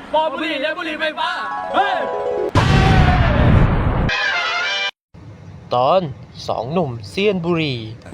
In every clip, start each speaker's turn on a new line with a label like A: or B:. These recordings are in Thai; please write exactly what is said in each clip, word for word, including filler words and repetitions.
A: ปอบุหรี่และบุหรี่ไฟฟ้าเฮ้ย
B: ตอนสองหนุ่มเซียนบุหรี่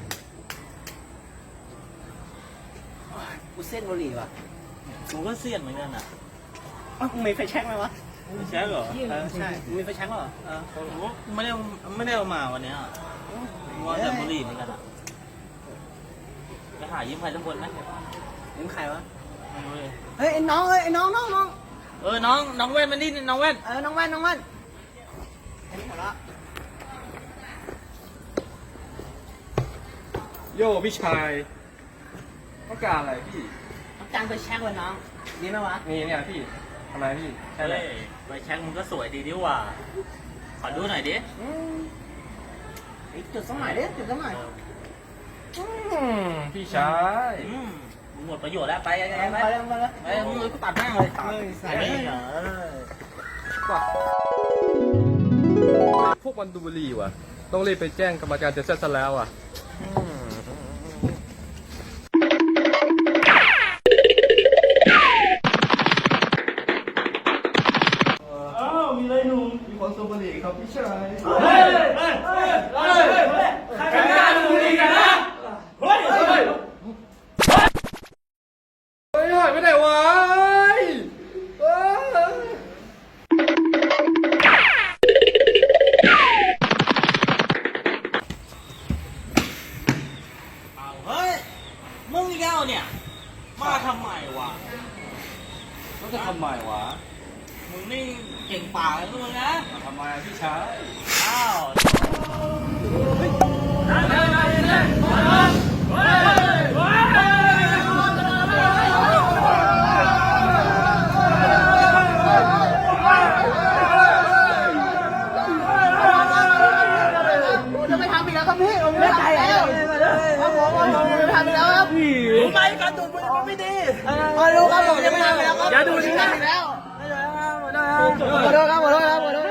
C: กูเส้นบุหรี่ว่ะ
A: กูก็เสียนเหมือนกันอ่ะ
C: อ้าวมึงมีไฟแช็กไหมวะ
A: ใช่เหรอ
C: เออใช่มึงมีไฟแช็กเหรอเออ
A: กูไม่ได้ไม่ได้เอามาวันนี้อ่ะมัวแต่บุหรี่เหมือนกันอ่ะไปหายืมใครสักคนไหม
C: มึงใครวะ
A: ไม่รู้เลย
C: เฮ้ยไอ้น้องเอ้ยไอ้น้องน้องน้อง
A: เออน้องน้องแว่นมันนี่น้องแว่น
C: เออน้องแว่นน้องแว่นอันนี้หมดละ
D: โย่พี่ชายต้องการอะไรพี่
C: ต้องการไฟแช็กวะน้องดีไหมวะ
D: นี่เนี่ยพี่ทำไมพี่ใช่
A: เฮ้
D: เลย
A: ยไปแช็คมึงก็สวยดีดีว่า ขอดูหน่อยดิ
C: อืมไอ้จุดสมัยดิจุดสมัย
D: อืมพี่ชาย
A: อืมมึงหมดประโยชน์แล้วไปไป
C: ไป
A: ไป
C: ไปเลยไปเลย
A: ไปมึงเลยกูตัดหน้าเลยตัด
C: เฮ้ย
A: ไอ้นี่เหรอ
D: พวกมันดูบุหรี่ว่ะต้องรีบไปแจ้งกรรมการเจะเสร็จซะแล้วอ่ะอ้าวมีอะไรหนุ่มมีคนสูบบุหรี่ครับพี่ชายเฮ้ยเฮ้ยเฮ้ยเฮ้ยใครกล้าดูบุหรี่กันนะเฮ้ยเฮ้ยเฮ้ยเฮ้ยหายไปไหนวะเฮ้ย
A: เอาเฮ้ยมึงอีกแล้วเนี่ยมาทำไมวะ
D: เขาจะทำไมวะ
A: มึงนี่เก่งป่ากเลยมึงนะ
D: มาทำไมพี่ชาย
A: อ้าว
C: จะไม่ทำอีกแล้วครับพี่ผมไม่ทำแล้วครับผมผมไม่ทำอีกแล้วครับรู้ไหมการดูดบุหรี่มันไม่ดีมาดูครับผมจะไม่ทำอีกแล้วครับอย่าดูดอีกแล้วขอโทษครับขอโทษครับขอโทษครับ